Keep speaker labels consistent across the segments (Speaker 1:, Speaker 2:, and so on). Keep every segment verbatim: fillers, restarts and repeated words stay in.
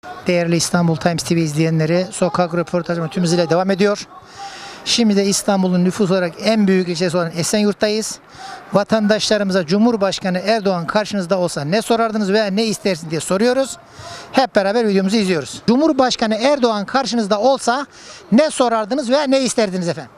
Speaker 1: Değerli İstanbul Times T V izleyenleri, sokak röportajı tüm hızıyla devam ediyor. Şimdi de İstanbul'un nüfus olarak en büyük ilçesi olan Esenyurt'tayız. Vatandaşlarımıza Cumhurbaşkanı Erdoğan karşınızda olsa ne sorardınız veya ne istersin diye soruyoruz. Hep beraber videomuzu izliyoruz. Cumhurbaşkanı Erdoğan karşınızda olsa ne sorardınız veya ne isterdiniz efendim?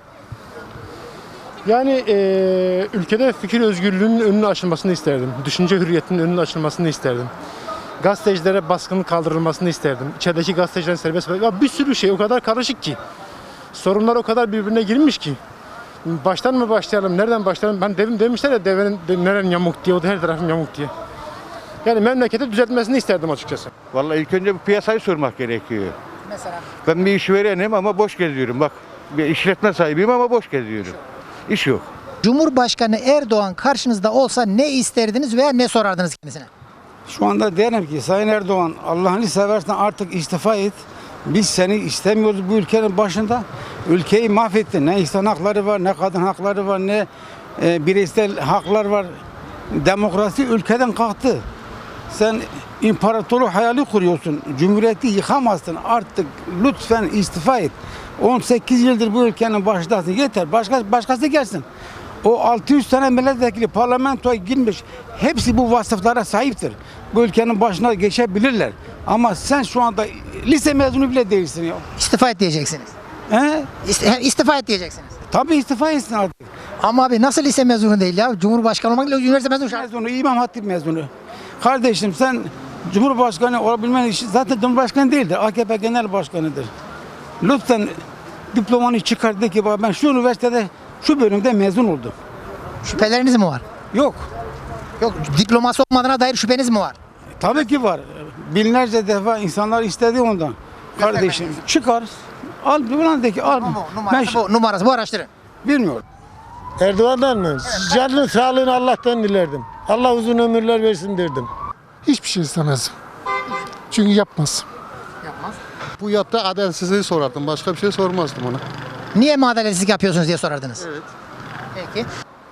Speaker 2: Yani eee, ülkede fikir özgürlüğünün önünün açılmasını isterdim. Düşünce hürriyetinin önünün açılmasını isterdim. Gazetecilere baskının kaldırılmasını isterdim. İçerideki gazetecilerin serbest bırakılması. Ya bir sürü şey o kadar karışık ki. Sorunlar o kadar birbirine girmiş ki. Baştan mı başlayalım, nereden başlayalım? Ben devim demişler ya devenin de, neren yamuk diye, o da her tarafım yamuk diye. Yani memleketi düzeltmesini isterdim açıkçası.
Speaker 3: Vallahi ilk önce bu piyasayı sormak gerekiyor.
Speaker 1: Mesela
Speaker 3: Ben bir işverenim ama boş geziyorum. Bak bir işletme sahibiyim ama boş geziyorum. İş yok.
Speaker 1: Cumhurbaşkanı Erdoğan karşınızda olsa ne isterdiniz veya ne sorardınız kendisine?
Speaker 4: Şu anda derim ki Sayın Erdoğan, Allah'ını seversen artık istifa et. Biz seni istemiyoruz bu ülkenin başında. Ülkeyi mahvettin. Ne insan hakları var, ne kadın hakları var, ne e, bireysel haklar var. Demokrasi ülkeden kalktı. Sen imparatorluk hayali kuruyorsun. Cumhuriyeti yıkamazsın. Artık lütfen istifa et. on sekiz yıldır bu ülkenin başındasın. Yeter. Başka, başkası gelsin. O altı yüz tane milletvekili parlamentoya girmiş. Hepsi bu vasıflara sahiptir. Bu ülkenin başına geçebilirler. Ama sen şu anda lise mezunu bile değilsin ya.
Speaker 1: İstifa et diyeceksiniz.
Speaker 4: He?
Speaker 1: İst- İstifa et diyeceksiniz.
Speaker 4: Tabii istifa etsin artık.
Speaker 1: Ama abi nasıl lise mezunu değil ya? Cumhurbaşkanı olmak ile üniversite mezunu şart.
Speaker 4: Mezunu, İmam Hatip mezunu. Kardeşim sen Cumhurbaşkanı olabilmen için zaten Cumhurbaşkanı değildir. A K P Genel Başkanı'dır. Lütfen diplomanı çıkar de ki bak ben şu üniversitede şu bölümde mezun oldum.
Speaker 1: Şüpheleriniz mi var?
Speaker 4: Yok.
Speaker 1: Yok, diploması olmadığına dair şüpheniz mi var?
Speaker 4: Tabii ki var. Binlerce defa insanlar istedi ondan. Kardeşim çıkar. Al ulan de ki al.
Speaker 1: Bu,
Speaker 4: Ben
Speaker 1: numarası, bu, numarası bu araştırın.
Speaker 4: bilmiyorum.
Speaker 5: Erdoğan'dan mı? Canının sağlığını Allah'tan dilerdim. Allah uzun ömürler versin derdim.
Speaker 6: Hiçbir şey istemezdim. Çünkü yapmaz.
Speaker 1: Yapmaz.
Speaker 6: Bu yaptığı adaletsizliği sorardım. Başka bir şey sormazdım ona.
Speaker 1: Niye mi adaletsizlik yapıyorsunuz diye sorardınız. Evet. Peki.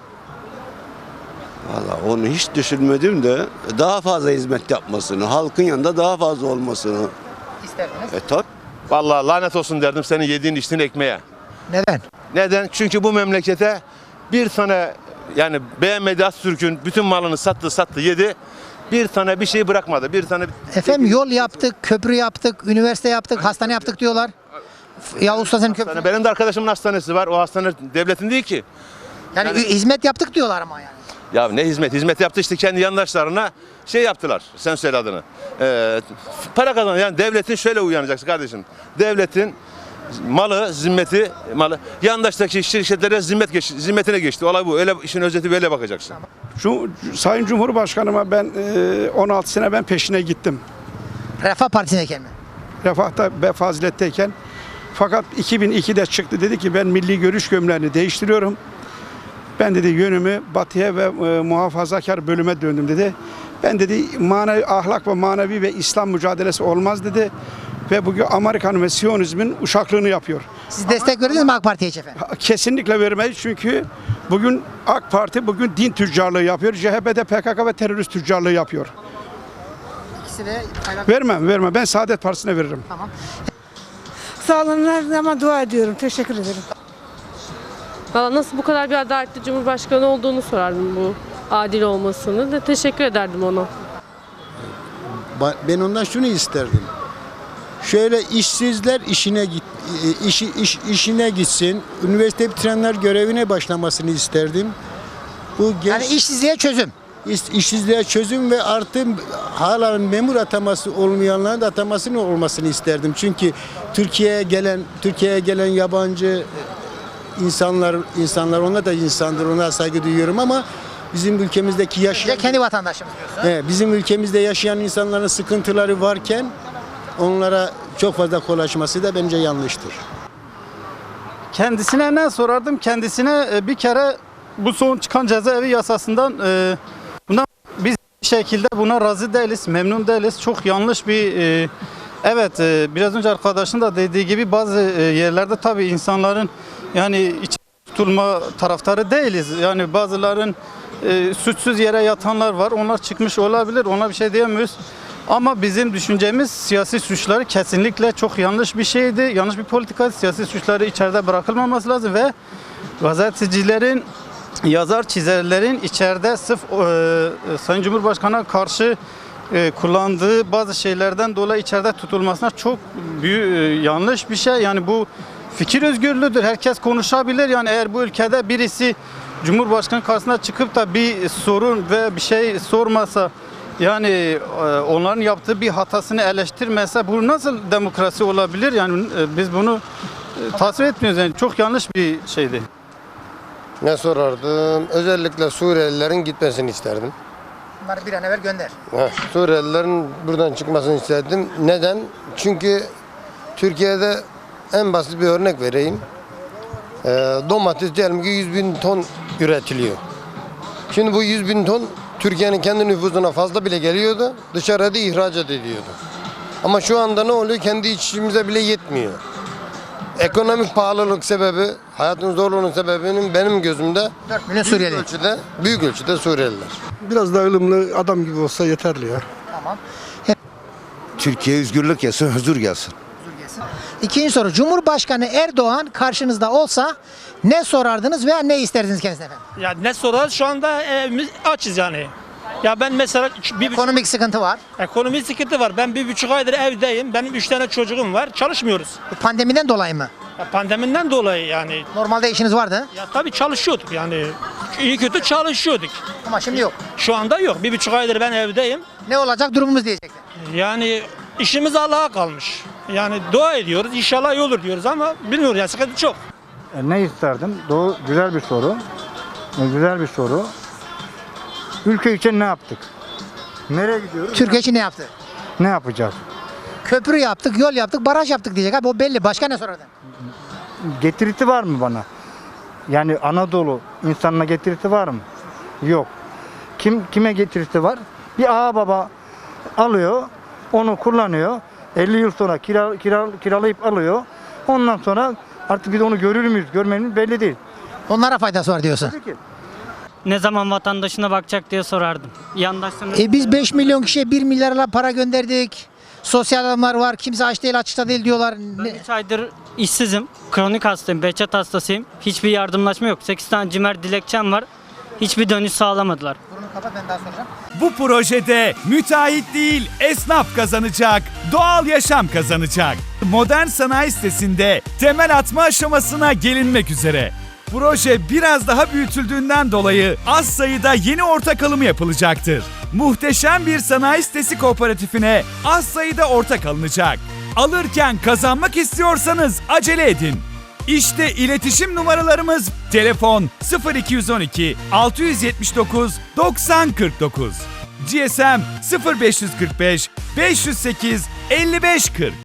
Speaker 7: Valla onu hiç düşünmedim de daha fazla hizmet yapmasını, halkın yanında daha fazla olmasını.
Speaker 1: İsterdiniz.
Speaker 7: E tabi.
Speaker 8: Vallahi lanet olsun derdim senin yediğin içtiğin ekmeğe.
Speaker 1: Neden?
Speaker 8: Neden? Çünkü bu memlekete bir tane yani beğenmedi Atatürk'ün bütün malını sattı sattı yedi. Bir tane bir şey bırakmadı. Bir tane
Speaker 1: Efendim yol yaptık, köprü yaptık, üniversite yaptık, hastane yaptık diyorlar. Ya usta senin köprü.
Speaker 8: Yani benim de arkadaşımın hastanesi var. O hastane devletin değil ki.
Speaker 1: Yani,
Speaker 8: yani-
Speaker 1: hizmet yaptık diyorlar ama yani.
Speaker 8: Ya ne hizmet? Hizmet yaptı işte kendi yandaşlarına şey yaptılar. Sen söyle adını. Ee, para kazan. Yani devletin şöyle uyanacaksın kardeşim. Devletin malı, zimmeti, malı yandaştaki şirketlere zimmet geç, zimmetine geçti. Olay bu. Öyle işin özeti böyle bakacaksın.
Speaker 9: Şu Sayın Cumhurbaşkanıma ben e, on altı sene ben peşine gittim.
Speaker 1: Refah Partisi'ndeyken mi?
Speaker 9: Refah'ta ve faziletteyken. Fakat iki bin ikide çıktı dedi ki ben milli görüş gömleğini değiştiriyorum. Ben dedi yönümü batıya ve e, muhafazakar bölüme döndüm dedi. Ben dedi manevi, ahlak ve manevi ve İslam mücadelesi olmaz dedi. Ve bugün Amerikan ve Siyonizmin uşaklığını yapıyor.
Speaker 1: Siz destek verdiniz mi AK Parti'ye hiç efendim?
Speaker 9: Kesinlikle vermeyiz çünkü bugün AK Parti bugün din tüccarlığı yapıyor. C H P'de P K K ve terörist tüccarlığı yapıyor.
Speaker 1: İkisi de
Speaker 9: Vermem, vermem. Ben Saadet Partisi'ne veririm.
Speaker 1: Tamam.
Speaker 10: Sağ olun, her zaman dua ediyorum. Teşekkür ederim.
Speaker 11: Valla nasıl bu kadar bir adaletli cumhurbaşkanı olduğunu sorardım bu adil olmasını da teşekkür ederdim ona.
Speaker 5: Ben ondan şunu isterdim. Şöyle işsizler işine git, işi, iş, işine gitsin. Üniversite bitirenler görevine başlamasını isterdim. Bu genç,
Speaker 1: Yani işsizliğe çözüm.
Speaker 5: iş, işsizliğe çözüm ve artı hala memur ataması olmayanların da atamasının olmasını isterdim. Çünkü Türkiye'ye gelen Türkiye'ye gelen yabancı insanlar insanlar onlar da insandır. Onlara saygı duyuyorum ama bizim ülkemizdeki yaşayan
Speaker 1: Kendi vatandaşımız diyorsun.
Speaker 5: He, bizim ülkemizde yaşayan insanların sıkıntıları varken onlara çok fazla kolaşması da bence yanlıştır.
Speaker 12: Kendisine ne sorardım? Kendisine e, bir kere bu son çıkan cezaevi yasasından e, buna biz bir şekilde buna razı değiliz, memnun değiliz. Çok yanlış bir e, evet e, biraz önce arkadaşın da dediği gibi bazı e, yerlerde tabii insanların yani iç tutulma taraftarı değiliz. Yani bazıların e, suçsuz yere yatanlar var. Onlar çıkmış olabilir. Ona bir şey diyemiyoruz. Ama bizim düşüncemiz siyasi suçları kesinlikle çok yanlış bir şeydi. Yanlış bir politika. Siyasi suçları içeride bırakılmaması lazım ve gazetecilerin, yazar çizerlerin içeride sırf e, Sayın Cumhurbaşkanı'na karşı e, kullandığı bazı şeylerden dolayı içeride tutulmasına çok büyük, e, yanlış bir şey. Yani bu fikir özgürlüğüdür. Herkes konuşabilir. Yani eğer bu ülkede birisi Cumhurbaşkanı karşısına çıkıp da bir sorun ve bir şey sormasa, yani e, onların yaptığı bir hatasını eleştirmese bu nasıl demokrasi olabilir? Yani e, biz bunu e, tasvip etmiyoruz. Yani çok yanlış bir şeydi.
Speaker 13: Ne sorardım? Özellikle Suriyelilerin gitmesini isterdim.
Speaker 1: Bunları bir an evvel gönder.
Speaker 13: Heh, Suriyelilerin buradan çıkmasını isterdim. Neden? Çünkü Türkiye'de en basit bir örnek vereyim. Ee, domates diyelim ki yüz bin ton üretiliyor. Şimdi bu yüz bin ton Türkiye'nin kendi nüfusuna fazla bile geliyordu. Dışarıda ihracat ediyordu. Ama şu anda ne oluyor? Kendi içimize bile yetmiyor. Ekonomik pahalılık sebebi, hayatın zorluğunun sebebinin benim gözümde
Speaker 1: dört milyon Suriyeli.
Speaker 13: Büyük ölçüde, büyük ölçüde Suriyeliler.
Speaker 6: Biraz daha ılımlı adam gibi olsa yeterli ya.
Speaker 1: Tamam.
Speaker 3: Türkiye özgürlük gelsin, huzur gelsin.
Speaker 1: İkinci soru. Cumhurbaşkanı Erdoğan karşınızda olsa ne sorardınız veya ne isterdiniz kendisine efendim?
Speaker 14: Ya ne sorar? Şu anda evimiz açız yani. Ya ben mesela bir buçuk,
Speaker 1: Ekonomik sıkıntı var.
Speaker 14: ekonomik sıkıntı var. Ben bir buçuk aydır evdeyim. Benim üç tane çocuğum var. Çalışmıyoruz.
Speaker 1: Bu pandemiden dolayı mı?
Speaker 14: Ya pandemiden dolayı yani.
Speaker 1: Normalde işiniz vardı
Speaker 14: Ya tabii çalışıyorduk yani. İyi kötü çalışıyorduk.
Speaker 1: ama şimdi yok.
Speaker 14: Şu anda yok. Bir buçuk aydır ben evdeyim.
Speaker 1: Ne olacak durumumuz diyecekler.
Speaker 14: Yani işimiz Allah'a kalmış. Yani dua ediyoruz. İnşallah iyi olur diyoruz ama bilmiyoruz yani sıkıntı çok.
Speaker 4: E, ne isterdim? Doğru, güzel bir soru. E, güzel bir soru. Ülke için ne yaptık? Nereye gidiyoruz?
Speaker 1: Türkiye için ne yaptı?
Speaker 4: Ne yapacağız?
Speaker 1: Köprü yaptık, yol yaptık, baraj yaptık diyecek abi o belli. Başka ne sorardın?
Speaker 4: Getirisi var mı bana? Yani Anadolu insanına getirisi var mı? Yok. Kim kime getirisi var? Bir ağa baba alıyor, onu kullanıyor. elli yıl sonra kira, kira, kiralayıp alıyor. Ondan sonra artık biz onu görür müyüz, görmemiz belli değil.
Speaker 1: Onlara faydası var diyorsun.
Speaker 4: Tabii ki.
Speaker 15: Ne zaman vatandaşına bakacak diye sorardım. Yandaşlarına...
Speaker 1: E biz beş milyon kişiye bir milyarla para gönderdik. Sosyal adamlar var. Kimse aç değil, açıkta değil diyorlar.
Speaker 15: Ben
Speaker 1: Ne-
Speaker 15: üç aydır işsizim. Kronik hastayım, Behçet hastasıyım. Hiçbir yardımlaşma yok. sekiz tane cimer dilekçem var. Hiçbir dönüş sağlamadılar.
Speaker 1: Burnunu kapat, ben daha soracağım.
Speaker 16: Bu projede müteahhit değil esnaf kazanacak, doğal yaşam kazanacak. Modern sanayi sitesinde temel atma aşamasına gelinmek üzere. Proje biraz daha büyütüldüğünden dolayı az sayıda yeni ortak alımı yapılacaktır. Muhteşem bir sanayi sitesi kooperatifine az sayıda ortak alınacak. Alırken kazanmak istiyorsanız acele edin. İşte iletişim numaralarımız: telefon sıfır iki yüz on iki altı yüz yetmiş dokuz doksan kırk dokuz, G S M sıfır beş yüz kırk beş beş yüz sekiz elli beş kırk.